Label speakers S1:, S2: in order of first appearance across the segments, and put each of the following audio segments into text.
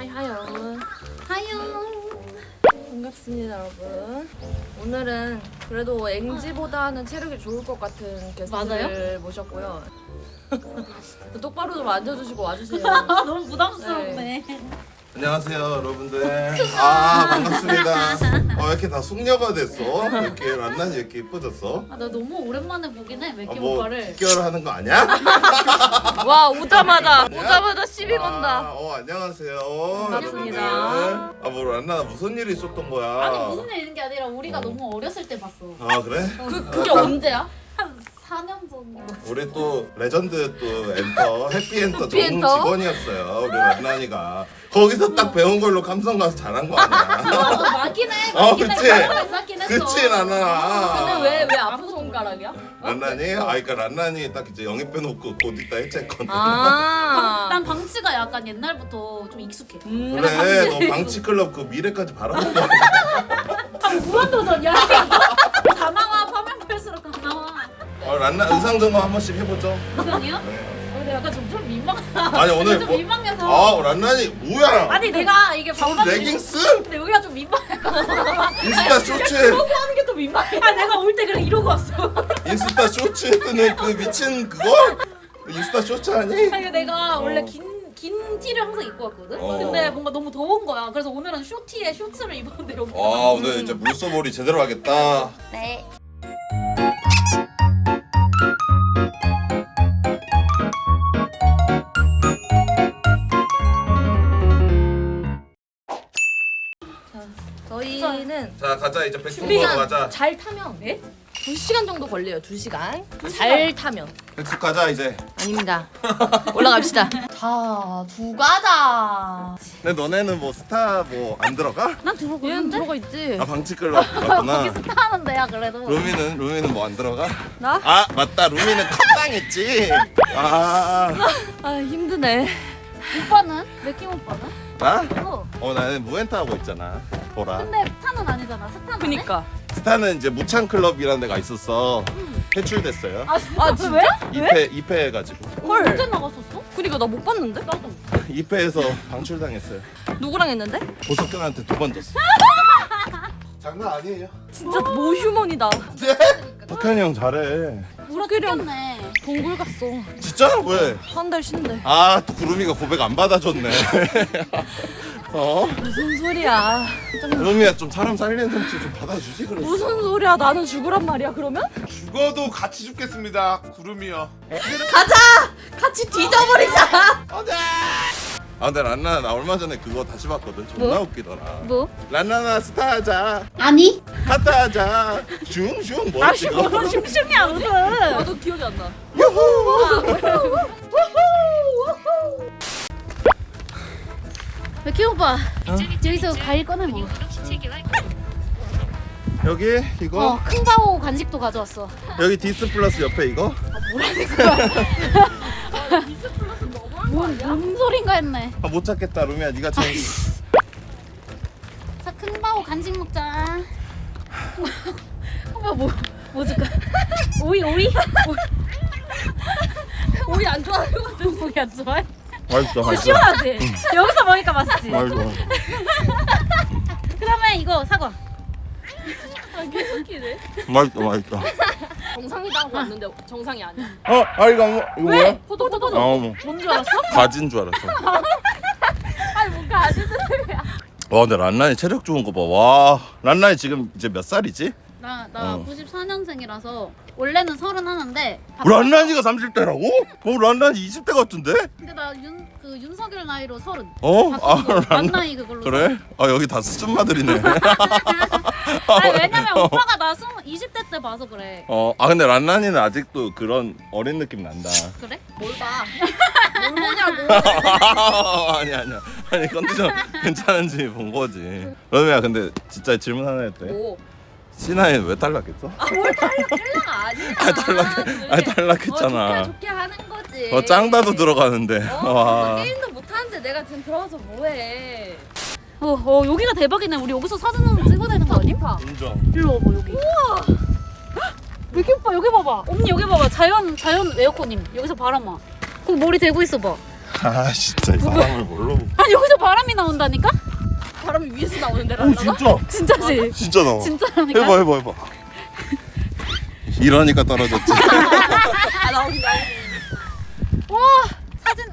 S1: 하요.
S2: 하요.
S1: 반갑습니다, 여러분. 오늘은 그래도 앵지보다는 체력이 좋을 것 같은 게스트를 모셨고요. 똑바로 좀 앉아주시고 와주세요.
S2: 너무 부담스럽네.
S3: 안녕하세요 여러분들. 아 반갑습니다. 왜 이렇게 다 숙녀가 됐어? 왜 이렇게 란난이 이렇게 이뻐졌어?
S2: 나 너무 오랜만에 보긴 해, 맥키
S3: 뭐
S2: 오빠를.
S3: 기결하는 거 아니야?
S1: 와, 오자마자 시비 건다.
S3: 안녕하세요.
S1: 반갑습니다.
S3: 여러분들. 뭐 란난아 무슨 일이 있었던 거야?
S2: 아니 무슨 일 있는 게 아니라 우리가 너무 어렸을 때 봤어.
S3: 아 그래?
S1: 그게 언제야?
S2: 한 4년 전.
S3: 우리 또 레전드 또 엔터 해피엔터 전
S1: 해피엔터?
S3: 직원이었어요. 우리 란난이가 거기서 딱 배운 걸로 감성 가서 잘한 거 아니야?
S2: 또 맞긴 해.
S3: 그치?
S2: 맞긴 했어.
S3: 그치 란난아.
S1: 근데 왜 아픈 손가락이야?
S3: 란난이? 그러니까 란난이 딱 이제 영입해놓고 곧 이따 해체했거든.
S1: 아.
S2: 난 방치가 약간 옛날부터 좀 익숙해.
S3: 그래 너 방치클럽 그 미래까지 바라보고
S2: 무한도전이야. 다 나와. 파면 팔수록 다 나와.
S3: 란난 의상 점검 한 번씩 해보죠.
S2: 이상이요?
S3: 네.
S2: 근데 약간 좀 민망하다.
S3: 아니 오늘
S2: 좀
S3: 뭐-
S2: 민망해서.
S3: 란난이 뭐야?
S2: 아니 내가 이게
S3: 저
S2: 반바지
S3: 레깅스?
S2: 근데 여기가 좀 민망해.
S3: 인스타 쇼츠에
S2: 이러고 하는 게 또 민망해. 아 내가 올 때 그래 이러고 왔어.
S3: 인스타 쇼츠에 뜨는 그 미친 그거? 인스타 쇼츠 아니?
S2: 아니 내가 원래
S3: 어.
S2: 긴 티를 항상 입고 왔거든.
S3: 어.
S2: 근데 뭔가 너무 더운 거야. 그래서 오늘은 쇼티에 쇼츠를 입었는데 여기.
S3: 오늘 이제 물소몰이 제대로 하겠다.
S2: 네.
S1: 저희는
S3: 자 가자 이제 백숙 먹으러 가자.
S1: 잘 타면
S2: 네?
S1: 2시간 정도 걸려요. 2시간. 잘 타면.
S3: 백숙 가자 이제.
S1: 아닙니다. 올라갑시다. 자, 두 가자.
S3: 근데 너네는 뭐 스타 뭐 안 들어가?
S2: 난 들어가
S1: 얘는
S2: 있는데.
S1: 들어가 있지.
S3: 아 방치클럽 들어갔구나.
S2: 거기 스타하는 데야 그래도.
S3: 루미는 뭐 안 들어가?
S1: 나?
S3: 아 맞다 루미는 컷당했지. 아
S1: 아, 힘드네.
S2: 오빠는? 맥킴 오빠는?
S3: 나?
S2: 어.
S3: 나는 무엔타 하고 있잖아. 보라.
S2: 근데 스타는 아니잖아. 스타는.
S1: 그니까.
S3: 스타는 이제 무창클럽이라는 데가 있었어. 해출됐어요.
S2: 아
S1: 진짜?
S2: 왜?
S3: 2패 해가지고.
S1: 헐.
S2: 언제 나갔었어?
S1: 그니까 나 못 봤는데?
S2: 나도.
S3: 2패에서 방출당했어요.
S1: 누구랑 했는데?
S3: 보석근한테 2번 졌어. 장난 아니에요.
S1: 진짜 모휴먼이다.
S3: 석현이 형 잘해.
S2: 울었겠네.
S1: 동굴 갔어.
S3: 진짜? 왜?
S1: 한 달 쉬는데.
S3: 또 구름이가 고백 안 받아줬네.
S1: 무슨 소리야.
S3: 구름이야 좀 사람 살리는 솜씨 좀 받아주지 그랬어.
S1: 무슨 소리야. 나는 죽으란 말이야, 그러면?
S4: 죽어도 같이 죽겠습니다. 구름이요.
S1: 가자! 같이 뒤져버리자!
S3: 근데 란나나 나 얼마 전에 그거 다시 봤거든. 존나 웃기더라.
S2: 뭐?
S3: 란나나 스타하자.
S2: 아니?
S3: 카타하자. 슝슝 뭐지 이거?
S2: 슝슝이야 무슨?
S1: 나도 기억이 안 나.
S2: 맥킴 오빠. 여기서 과일 꺼내 먹어.
S3: 여기 이거
S2: 큰바오 간식도 가져왔어.
S3: 여기 디스플러스 옆에 이거
S2: 뭔 소린가 했네.
S3: 못 찾겠다 루미야 네가 제일
S2: 자, 큰바오 간식 먹자. 오빠 뭐 줄까? 오이?
S1: 오이 안 좋아하는 거 같아.
S2: 오이 안 좋아해?
S3: 맛있어
S2: 시원하지? 여기서 먹으니까 맛있지?
S3: 맛있어.
S2: 그러면 이거 사과.
S1: 계속 웃기네.
S3: 맛있어.
S1: 정상이다 하고 왔는데 정상이 아니야.
S3: 이거 뭐야?
S1: 포도.
S3: 뭐
S2: 뭔 줄 알았어?
S3: 가진 줄 알았어.
S1: 아니, 뭔가 아직은.
S3: 와 근데 란란이 체력 좋은 거 봐. 와 란란이 지금 이제 몇 살이지?
S2: 나
S3: 어.
S2: 94년생이라서 원래는 31인데
S3: 란란이가 30대라고? 란란이 20대 같은데?
S2: 근데 나 윤석열 나이로 30.
S3: 란
S2: 만 나이 그걸로.
S3: 그래? 여기 다 수준마들이네.
S2: 아니 왜냐면 오빠가 나 20대 때 봐서 그래.
S3: 근데 란란이는 아직도 그런 어린 느낌 난다.
S2: 그래?
S1: 뭘 봐. 뭘 보냐고.
S3: 아니 컨디션 괜찮은지 본 거지. 러미야 근데 진짜 질문 하나 해도 돼?
S1: 뭐.
S3: 신하인 왜 탈락했어?
S1: 뭘 탈락가 아니야.
S3: 탈락했잖아.
S1: 좋게 하는 거지.
S3: 짱다도 들어가는데. 와.
S1: 게임도 못하는데 내가 지금 들어와서 뭐해.
S2: 여기가 대박이네. 우리 여기서 사진 한번 찍어야 되는 거 아님?
S3: 인정.
S2: 일로 와봐 여기. 우와. 맥키 오빠 여기 봐봐. 언니 여기 봐봐. 자연 에어컨임. 여기서 바람 와. 거기 머리 대고 있어 봐.
S3: 진짜 이 사람을 뭘로?
S2: 아니 여기서 바람이 바람이 나온다니까?
S1: 바람이 위에서 나오는데 란나가?
S2: 진짜지?
S3: 진짜 나와.
S2: 진짜라니까?
S3: 해봐. 이러니까 떨어졌지.
S1: 아 나오긴
S2: 와 사진.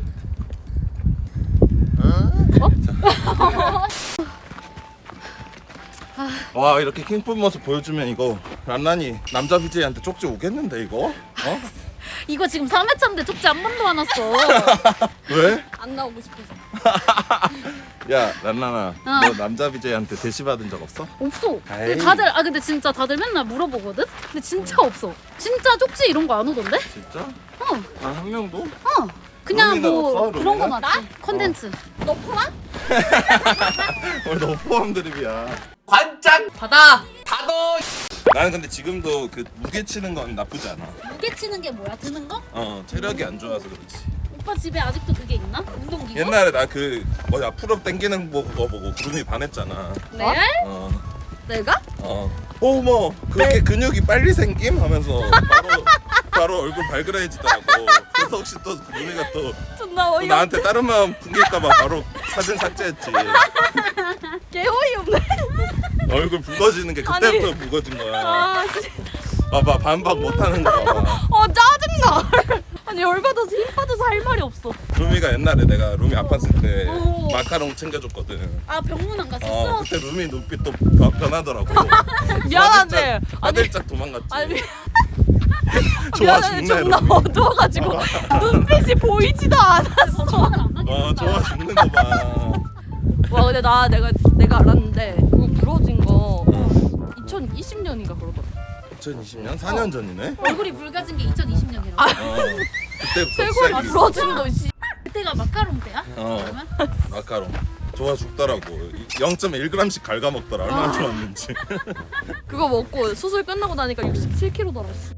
S3: 와 이렇게 킹품 모습 보여주면 이거 란란이 남자 BJ한테 쪽지 오겠는데 이거? 어?
S2: 이거 지금 3회차인데 쪽지 한 번도 안 왔어.
S3: 왜?
S1: 안 나오고 싶어서.
S3: 야 란란아 너 남자 BJ한테 대시 받은 적 없어?
S2: 없어.
S3: 에이.
S2: 근데 진짜 다들 맨날 물어보거든? 근데 진짜 없어. 진짜 쪽지 이런 거 안 오던데?
S3: 진짜?
S2: 어.
S3: 아 한 명도?
S2: 그냥
S3: 루미는
S2: 뭐
S3: 없어,
S2: 그런 거
S3: 루미는?
S2: 맞지? 컨텐츠.
S1: 너 포함?
S3: 오늘 너 포함 드립이야.
S1: 받아.
S3: 나는 근데 지금도 그 무게 치는 건 나쁘지 않아.
S2: 무게 치는 게 뭐야? 드는 거?
S3: 체력이 안 좋아서 그렇지.
S2: 오빠 집에 아직도 그게 있나? 운동기구?
S3: 옛날에 나 그 뭐야 풀업 당기는 거 보고 구름이 반했잖아.
S1: 네? 내가?
S3: 어머 그렇게 근육이 빨리 생김 하면서 바로 얼굴 발그레해지더라고. 그래서 혹시 또 구름이가 또
S1: 존나
S3: 또
S1: 어이없네.
S3: 나한테 다른 마음 풍길까봐 바로 사진 삭제했지.
S1: 개 어이없네.
S3: 얼굴 붉어지는 게 그때부터 붉어진 거야.
S1: 아 진짜.
S3: 봐봐 반박 못하는 거 봐봐.
S1: 짜증나. 아니 열받아서 힘 빠져서 할 말이 없어.
S3: 루미가 옛날에 내가 루미 아팠을 때
S2: 오.
S3: 마카롱 챙겨줬거든.
S2: 아 병문안 갔었어?
S3: 그때 루미 눈빛 또 변하더라고.
S1: 미안한데.
S3: 화들짝 도망갔지.
S1: 아니
S3: 좋아
S1: 미안해,
S3: 죽네
S1: 존나
S3: 루미.
S1: 어두워가지고 눈빛이 보이지도 않았어.
S3: 좋아 죽는 거 봐.
S1: 와 근데 내가 알았는데 그거 부러진 거 2020년인가 그러더라.
S3: 2020년 4년 전이네.
S2: 얼굴이 붉어진 게 2020년이라고.
S3: 그때부터
S1: 쇄골이
S3: 시작이.
S1: 부러진 거 씨.
S2: 그때가 마카롱 때야?
S3: 어.
S2: 그러면?
S3: 마카롱. 좋아 죽더라고. 0.1g씩 갉아먹더라. 얼마나 좋았는지.
S1: 그거 먹고 수술 끝나고 나니까 67kg 달았어.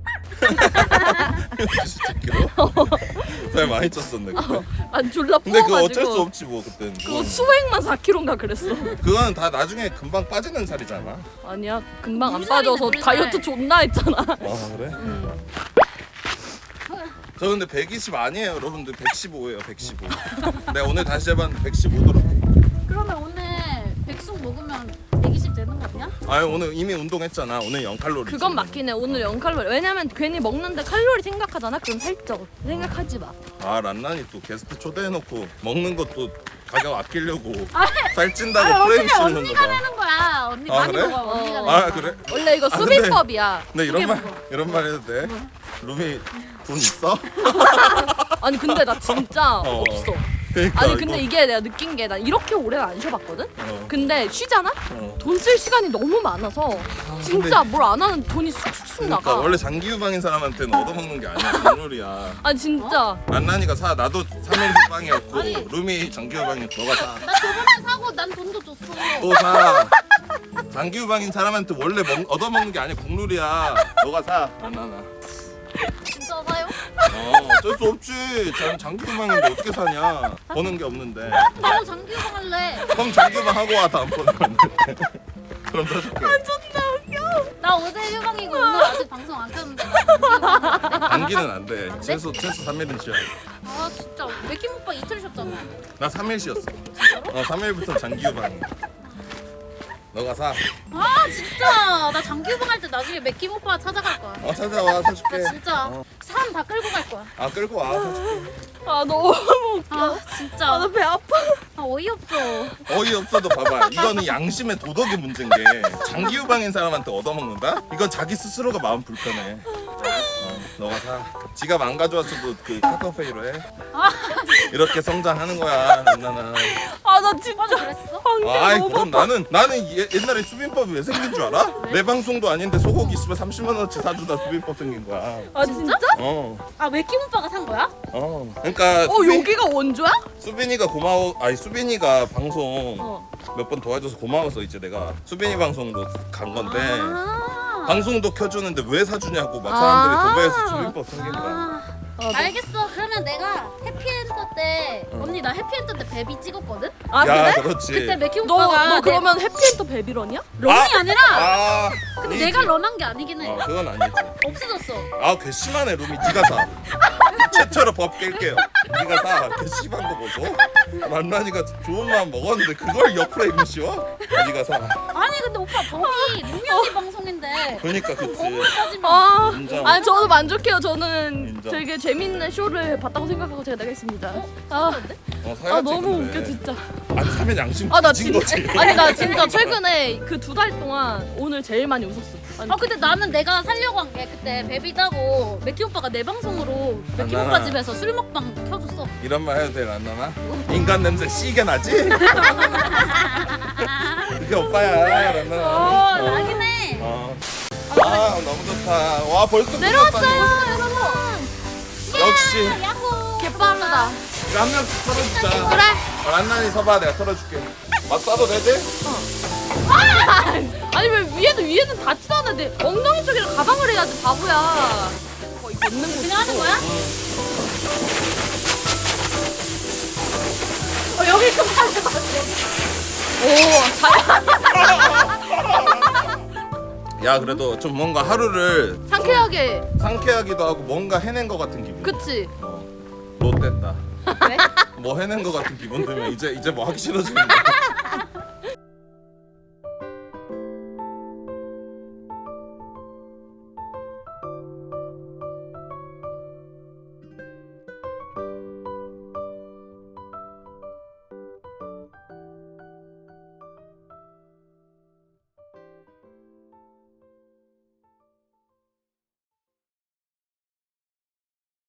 S3: 67kg? 살 많이 쪘었네 그때.
S1: 아니 졸라
S3: 근데 그거
S1: 부어가지고.
S3: 어쩔 수 없지 뭐 그때는.
S1: 그거 수액만 4kg인가 그랬어.
S3: 그거는 다 나중에 금방 빠지는 살이잖아.
S1: 아니야 금방 안
S2: 물살이네,
S1: 빠져서
S2: 물살.
S1: 다이어트 존나 했잖아.
S3: 그래? 저 근데 120 아니에요 여러분들. 115예요 115. 내가 오늘 다시 해봤는데 115더라고.
S2: 그러면 오늘 백숙 먹으면 120 되는 거 아니야?
S3: 아니 오늘 이미 운동했잖아. 오늘 0칼로리.
S1: 그건 맞긴 해. 오늘 0칼로리. 왜냐면 괜히 먹는데 칼로리 생각하잖아. 그럼 살쪄. 생각하지 마.
S3: 란란이 또 게스트 초대해놓고 먹는 것도 가격 아끼려고
S2: 아,
S3: 살찐다고 프레임
S2: 어차피
S3: 씌우는 거
S2: 언니가
S3: 봐.
S2: 내는 거야. 언니
S3: 아,
S2: 많이
S3: 그래?
S2: 먹어. 언니가 내는 거야.
S3: 그래?
S1: 원래 이거
S3: 근데-
S1: 수비법이야.
S3: 근데
S2: 두개
S3: 이런 말 해도 돼? 루미 돈 있어?
S1: 아니 근데 나 진짜 없어.
S3: 그러니까
S1: 아니 근데
S3: 이거-
S1: 이게 내가 느낀 게 나 이렇게 오래 안 쉬어봤거든?
S3: 근데
S1: 근데 쉬잖아?
S3: 어.
S1: 돈 쓸 시간이 너무 많아서 진짜 뭘 안 하는 돈이 쑥쑥
S3: 그러니까
S1: 나가.
S3: 원래 장기 유방인 사람한테는 얻어먹는 게 아니야. 국룰이야.
S1: 아니 진짜
S3: 란란이가 사. 나도 3일 유방이었고 루미 장기 유방이 너가 사.
S2: 나 저번에 사고 난 돈도 줬어.
S3: 또 사. 장기 유방인 사람한테 원래 얻어먹는 게 아니야. 국룰이야. 너가 사. 란란아.
S2: 진짜 사요?
S3: 어쩔 수 없지. 장기 유방인데 어떻게 사냐. 버는 게 없는데.
S2: 나도 장기유방 할래.
S3: 그럼 장기 유방 하고 와 다음번에. 그럼 사줄게.
S2: 나 어제 유방이고 오늘 아직 방송 안 켰는데 나 장기유방 할래.
S3: 단기는 안 돼. 최소 3일은 쉬어야 돼.
S2: 아 진짜 맥힘 오빠 이틀 쉬었잖아.
S3: 나 3일 쉬었어. 3일부터 장기 유방이야. 너가 사.
S2: 아 진짜 나 장기유방 할 때 나중에 맥힘 오빠 찾아갈 거야.
S3: 찾아와 사줄게.
S2: 나 진짜 사람 다 끌고 갈 거야.
S3: 끌고 와 사줄게.
S1: 아 너무 웃겨.
S2: 아 진짜
S1: 나 배 아파.
S2: 아, 어이없어.
S3: 어이없어도 봐봐. 이거는 양심의 도덕의 문제인 게 장기 유방인 사람한테 얻어먹는다? 이건 자기 스스로가 마음 불편해. 너가 사. 지갑 안 가져왔어도 그 카카오페이로 해. 이렇게 성장하는 거야 란나나.
S1: 아 나 진짜
S2: 오빠도 그랬어?
S1: 방금
S3: 아이
S1: 너무
S3: 그럼 나는 옛날에 수빈법이 왜 생긴 줄 알아? 내 방송도 아닌데 소고기 씨발 30만 원어치 사주다 수빈법 생긴 거야.
S1: 아 진짜?
S2: 아 맥힘 오빠가 산 거야?
S3: 그러니까
S1: 여기가 원조야?
S3: 수빈이가 고마워. 아니 수빈이가 방송
S1: 어.
S3: 몇 번 도와줘서 고마워서 이제 내가 수빈이 방송으로 간 건데
S2: 아.
S3: 방송도 켜주는데 왜 사주냐고 막 사람들이
S1: 아.
S3: 도배해서 수빈법 생긴 거야.
S2: 알겠어. 그러면 내가 해피엔터 때 언니 나 해피엔터 때 베비 찍었거든?
S1: 아
S3: 야
S1: 그래?
S3: 그렇지.
S2: 그때 맥힘
S1: 너
S2: 오빠가
S1: 그러면 해피엔더 베비런이야?
S2: 런이 아니라
S3: 근데
S2: 내가 런한 게 아니긴 해.
S3: 그건 아니지.
S2: 없어졌어.
S3: 괘씸하네 루미. 네가 사. 최초로 법 깰게요. 네가 사. 개씨한 거 보소. 만만이가 좋은 마음 먹었는데 그걸 옆으로 입는 씌워? 네가 사.
S2: 아니 근데 오빠 거기 루미 언니 방송인데
S3: 그러니까 그치.
S2: 거기까지만.
S1: 아,
S3: 인정.
S1: 아니 저도 만족해요. 저는
S3: 인정.
S1: 되게 재밌는 쇼를 봤다고 생각하고 제가 나가겠습니다. 아,
S3: 사야지,
S1: 아 너무
S3: 근데.
S1: 웃겨 진짜.
S3: 아니 사면 양심
S1: 아 나
S3: 뒤진
S1: 진짜
S3: 거지.
S1: 아니 나 진짜 최근에 그 2달 동안 오늘 제일 많이 웃었어. 아니,
S2: 아 근데 나는 내가 살려고 한 게 그때 베비 따고 맥키 오빠가 내 방송으로 맥키
S3: 란나나.
S2: 오빠 집에서 술 먹방 켜줬어.
S3: 이런 말 해도 돼 란나나? 인간 냄새 씨게 나지? 그게 오빠야 란나나.
S2: 나긴 해.
S3: 아 너무 좋다. 와 벌써
S1: 내려왔어요 여러분.
S3: 역시
S2: 야호.
S1: 개빠르다.
S3: 이거 한 명씩 털어주자.
S1: 그래.
S3: 란나니 서봐 내가 털어줄게. 맛 싸도 되지?
S1: 아니 왜 위에는 닿지도 않는데 엉덩이 쪽이랑 가방을 해야지 바보야. 거의 걷는 거.
S2: 그냥 하는 거야?
S1: 여기 좀 살려봐. 오,
S3: 야 그래도 좀 뭔가 하루를
S1: 상쾌하게.
S3: 상쾌하기도 하고 뭔가 해낸 것 같은 기분.
S1: 그치?
S3: 롯됐다.
S2: 왜?
S3: 뭐 해낸 것 같은 기분 들면 이제 뭐 하기 싫어지는 거야.